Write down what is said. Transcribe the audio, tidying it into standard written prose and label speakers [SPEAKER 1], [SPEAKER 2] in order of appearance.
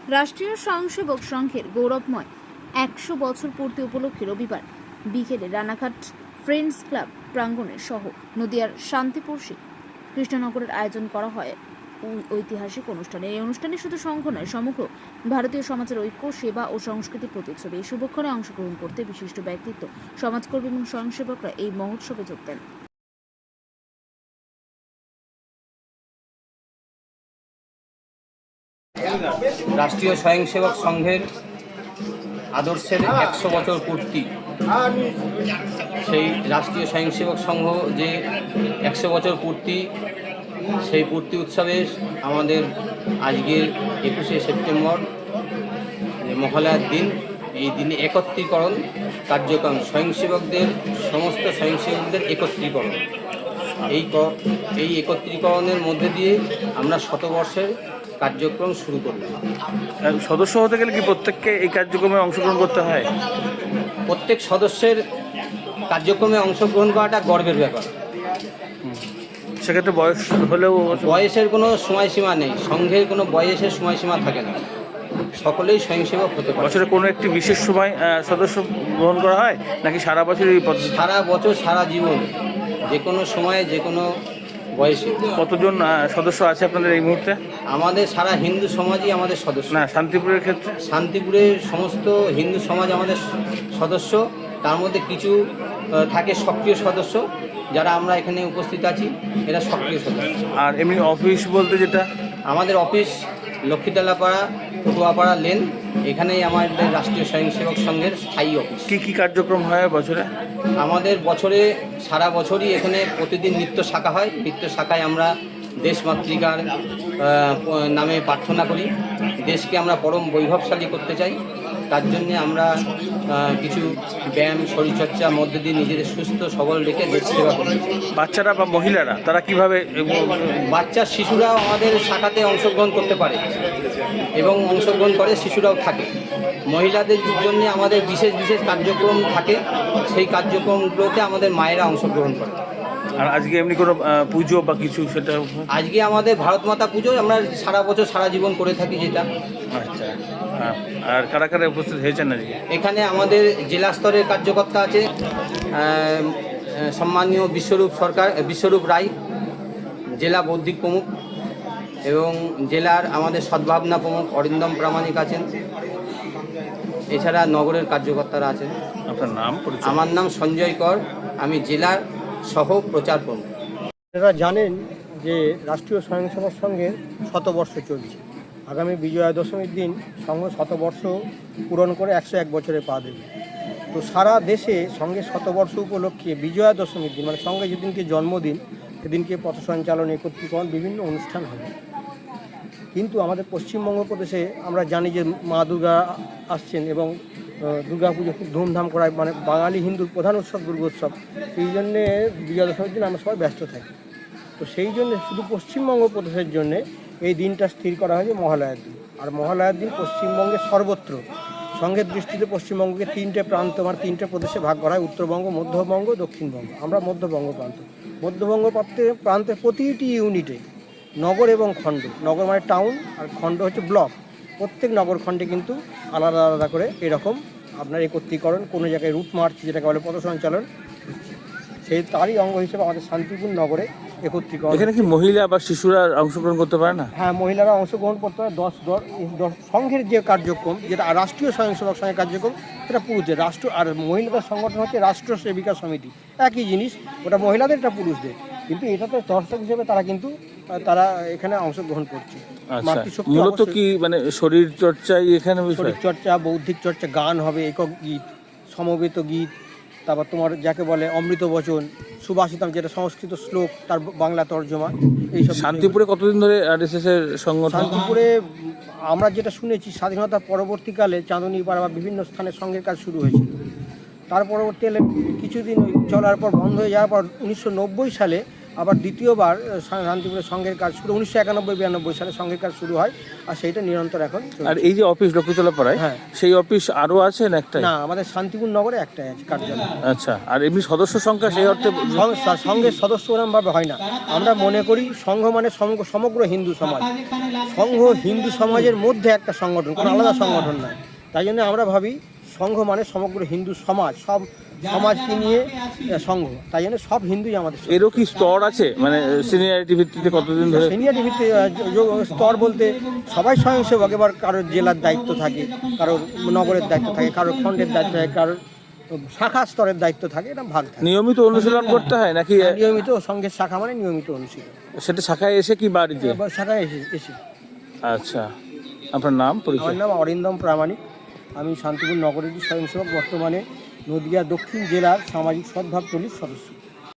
[SPEAKER 1] রাষ্ট্রীয় স্বয়ংসেবক সংঘের গৌরবময় ১০০ বছর পূর্তি উপলক্ষে রবিবার বিকেলে রানাঘাট ফ্রেন্ডস ক্লাব প্রাঙ্গণে সহ নদিয়ার শান্তিপুর কৃষ্ণনগরের আয়োজন করা হয় ঐতিহাসিক অনুষ্ঠানে। এই অনুষ্ঠানে শুধু সংঘ নয়, সমগ্র ভারতীয় সমাজের ঐক্য, সেবা ও সংস্কৃতির প্রতিচ্ছবি। এই শুভক্ষণে অংশগ্রহণ করতে বিশিষ্ট ব্যক্তিত্ব, সমাজকর্মী এবং স্বয়ংসেবকরা এই মহোৎসবে যোগ দেন।
[SPEAKER 2] রাষ্ট্রীয় স্বয়ংসেবক সংঘের আদর্শের ১০০ বছর পূর্তি, সেই রাষ্ট্রীয় স্বয়ংসেবক সংঘ যে ১০০ বছর পূর্তি, সেই পূর্তি উৎসবে আমাদের আজকের ২১শে সেপ্টেম্বর মহালয়ার দিন, এই দিনে একত্রীকরণ কার্যক্রম, স্বয়ংসেবকদের সমস্ত স্বয়ংসেবকদের একত্রীকরণ। এই একত্রীকরণের মধ্যে দিয়ে আমরা শতবর্ষের কার্যক্রম শুরু করলাম।
[SPEAKER 3] সদস্য হতে গেলে কি প্রত্যেককে এই কার্যক্রমে অংশগ্রহণ করতে হয়?
[SPEAKER 2] প্রত্যেক সদস্যের কার্যক্রমে অংশগ্রহণ করাটা গর্বের ব্যাপার।
[SPEAKER 3] সেক্ষেত্রে বয়স হলেও
[SPEAKER 2] বয়সের কোনো সময়সীমা নেই, সংঘের কোনো বয়সের সময়সীমা থাকে না, সকলেই স্বয়ংসেবক হতে পারে।
[SPEAKER 3] বছরে কোনো একটি বিশেষ সময় সদস্য গ্রহণ করা হয় নাকি সারা বছরই?
[SPEAKER 2] সারা বছর, সারা জীবন, যে কোনো সময়ে, যে কোনো বয়সে।
[SPEAKER 3] কতজন সদস্য আছে আপনাদের এই মুহূর্তে?
[SPEAKER 2] আমাদের সারা হিন্দু সমাজই আমাদের সদস্য।
[SPEAKER 3] না, শান্তিপুরের ক্ষেত্রে?
[SPEAKER 2] শান্তিপুরের সমস্ত হিন্দু সমাজ আমাদের সদস্য। তার মধ্যে কিছু থাকে সক্রিয় সদস্য, যারা আমরা এখানে উপস্থিত আছি, এরা সক্রিয় সদস্য।
[SPEAKER 3] আর এমনি অফিস বলতে যেটা?
[SPEAKER 2] আমাদের অফিস লক্ষ্মীতলাপাড়া, পটুয়াপাড়া লেন, এখানেই আমাদের রাষ্ট্রীয় স্বয়ংসেবক সংঘের স্থায়ী অফিস।
[SPEAKER 3] কী কী কার্যক্রম হয় বছরে?
[SPEAKER 2] আমাদের বছরে, সারা বছরই এখানে প্রতিদিন নৃত্য শাখা হয়। নৃত্য শাখায় আমরা দেশমাতৃকার নামে প্রার্থনা করি। দেশকে আমরা পরম বৈভবশালী করতে চাই, তার জন্যে আমরা কিছু ব্যায়াম, শরীরচর্চার মধ্যে দিয়ে নিজেদের সুস্থ সবল রেখে দেশ সেবা করি।
[SPEAKER 3] বাচ্চারা বা মহিলারা তারা কিভাবে?
[SPEAKER 2] বাচ্চা, শিশুরাও আমাদের শাখাতে অংশগ্রহণ করতে পারে এবং অংশগ্রহণ করে, শিশুরাও থাকে। মহিলাদের জন্য আমাদের বিশেষ বিশেষ কার্যক্রম থাকে, সেই কার্যক্রমগুলোতে আমাদের মায়েরা অংশগ্রহণ করে।
[SPEAKER 3] আর আজকে এমনি কোনো পুজো বা কিছু? সেটা
[SPEAKER 2] আজকে আমাদের ভারত মাতা পুজো আমরা সারা বছর, সারা জীবন করে থাকি যেটা।
[SPEAKER 3] আচ্ছা, আর কারা কারা উপস্থিত হয়েছেন আজকে?
[SPEAKER 2] এখানে আমাদের জেলা স্তরের কার্যকর্তা আছে, সম্মানীয় বিশ্বরূপ রায়, জেলা বৌদ্ধিক প্রমুখ, এবং জেলার আমাদের সদ্ভাবনা প্রমুখ অরিন্দম প্রামাণিক আছেন। এছাড়া নগরের কার্যকর্তারা আছেন।
[SPEAKER 3] আপনার নাম?
[SPEAKER 2] আমার নাম সঞ্জয় কর, আমি জেলার সহ প্রচার প্রমুখ।
[SPEAKER 4] আপনারা জানেন যে রাষ্ট্রীয় স্বয়ংসেবক সংঘের শতবর্ষ চলছে। আগামী বিজয়া দশমীর দিন সংঘ শতবর্ষ পূরণ করে ১০১ বছরে পা দেবে। তো সারা দেশে সংঘের শতবর্ষ উপলক্ষে বিজয়া দশমীর দিন, মানে সংঘে যেদিনকে জন্মদিন, সেদিনকে পথ সঞ্চালন, একত্রীকরণ, বিভিন্ন অনুষ্ঠান হবে। কিন্তু আমাদের পশ্চিমবঙ্গ প্রদেশে আমরা জানি যে মা দুর্গা আসছেন এবং দুর্গা পুজো খুব ধুমধাম করা হয়, মানে বাঙালি হিন্দুর প্রধান উৎসব দুর্গোৎসব। সেই জন্যে বিজয়া দশমীর দিন আমরা সবাই ব্যস্ত থাকি। তো সেই জন্যে শুধু পশ্চিমবঙ্গ প্রদেশের জন্যে এই দিনটা স্থির করা হয়েছে মহালয়ার দিন। আর মহালয়ার দিন পশ্চিমবঙ্গের সর্বত্র সংঘের দৃষ্টিতে পশ্চিমবঙ্গকে তিনটে প্রান্ত, মানে তিনটে প্রদেশে ভাগ করা হয়: উত্তরবঙ্গ, মধ্যবঙ্গ, দক্ষিণবঙ্গ। আমরা মধ্যবঙ্গ প্রান্ত। মধ্যবঙ্গ প্রান্তের প্রতিটি ইউনিটে নগর এবং খণ্ড, নগর মানে টাউন আর খণ্ড হচ্ছে ব্লক, প্রত্যেক নগর খণ্ডে কিন্তু আলাদা আলাদা করে এরকম আপনার একত্রীকরণ, কোনো জায়গায় রুট মার্চ যেটাকে বলে পথ সঞ্চালন, সেই তারই অঙ্গ হিসেবে আমাদের শান্তিপুর নগরে একত্রীকরণ।
[SPEAKER 3] এখানে কি মহিলা বা শিশুরা অংশগ্রহণ করতে পারে না?
[SPEAKER 4] হ্যাঁ, মহিলারা অংশগ্রহণ করতে পারে। 10 সংঘের যে কার্যক্রম, যেটা রাষ্ট্রীয় স্বয়ংসেবক সংঘের কার্যক্রম, সেটা পুরুষদের। রাষ্ট্র আর মহিলাদের সংগঠন হচ্ছে রাষ্ট্র সেবিকা সমিতি, একই জিনিস। ওটা মহিলাদের, এটা পুরুষদের। কিন্তু এটাতে দর্শক হিসেবে তারা এখানে অংশগ্রহণ করছে।
[SPEAKER 3] মূলত কি মানে শরীর চর্চাই এখানে?
[SPEAKER 4] শরীর চর্চা, বৌদ্ধিক চর্চা, গান হবে, একক গীত, সমবেত গীত, তারপর তোমার যাকে বলে অমৃত বচন, সুভাষিতম, যেটা সংস্কৃত শ্লোক, তার বাংলা তর্জমা, এইসব।
[SPEAKER 3] শান্তিপুরে কতদিন ধরে আরএসএস এর সংগঠন?
[SPEAKER 4] শান্তিপুরে আমরা যেটা শুনেছি, স্বাধীনতা পরবর্তীকালে চাঁদনীপাড়া বা বিভিন্ন স্থানে সংঘের কাজ শুরু হয়েছিল। তার পরবর্তীকালে কিছুদিন চলার পর বন্ধ হয়ে যাওয়ার পর 1990 সালে আবার দ্বিতীয়বার শান্তিপুরের সংঘের কাজ শুরু 1991-92 সালে সংঘের কাজ শুরু হয়, আর সেইটা নিরন্তর এখন চলছে।
[SPEAKER 3] আর এই যে অফিস লক্ষ্মীতলা পাড়ায়,
[SPEAKER 4] হ্যাঁ।
[SPEAKER 3] সেই অফিস আরও আছে না একটাই?
[SPEAKER 4] না, আমাদের শান্তিপুর নগরে একটাই আছে কার্যালয়।
[SPEAKER 3] আচ্ছা, আর এমনি সদস্য সংখ্যা সেই অর্থে?
[SPEAKER 4] সংঘের সদস্য ওরমভাবে হয় না। আমরা মনে করি সংঘ মানে সমগ্র হিন্দু সমাজ। সংঘ হিন্দু সমাজের মধ্যে একটা সংগঠন, কোনো আলাদা সংগঠন নয়। তাই জন্য আমরা ভাবি সংঘ মানে সমগ্র হিন্দু সমাজ, সব সমাজকে নিয়ে সংঘ। তাই জন্য সব হিন্দুই আমাদের।
[SPEAKER 3] এরও কি স্তর আছে, মানে সিনিয়রিটি ভিত্তিতে কতদিন ধরে?
[SPEAKER 4] সিনিয়রিটি ভিত্তিতে স্তর বলতে সবাই স্বয়ংসেবক। এবার কারোর জেলার দায়িত্ব থাকে, কারোর নগরের দায়িত্ব থাকে, কারোর খণ্ডের দায়িত্ব থাকে, কারোর শাখা স্তরের দায়িত্ব থাকে, এটা ভাগ থাকে।
[SPEAKER 3] নিয়মিত অনুশীলন করতে হয় নাকি?
[SPEAKER 4] নিয়মিত সংঘের শাখা মানে নিয়মিত অনুশীলন।
[SPEAKER 3] সেটা শাখায় এসে কি বাড়িতে?
[SPEAKER 4] শাখায় এসে।
[SPEAKER 3] আচ্ছা, আপনার নাম পরিচয়?
[SPEAKER 4] আমার নাম অরিন্দম প্রামাণিক। আমি শান্তিপুর নগরের স্বয়ংসেবক, বর্তমানে নদিয়া দক্ষিণ জেলার সামাজিক সদ্ভাব টলির সদস্য।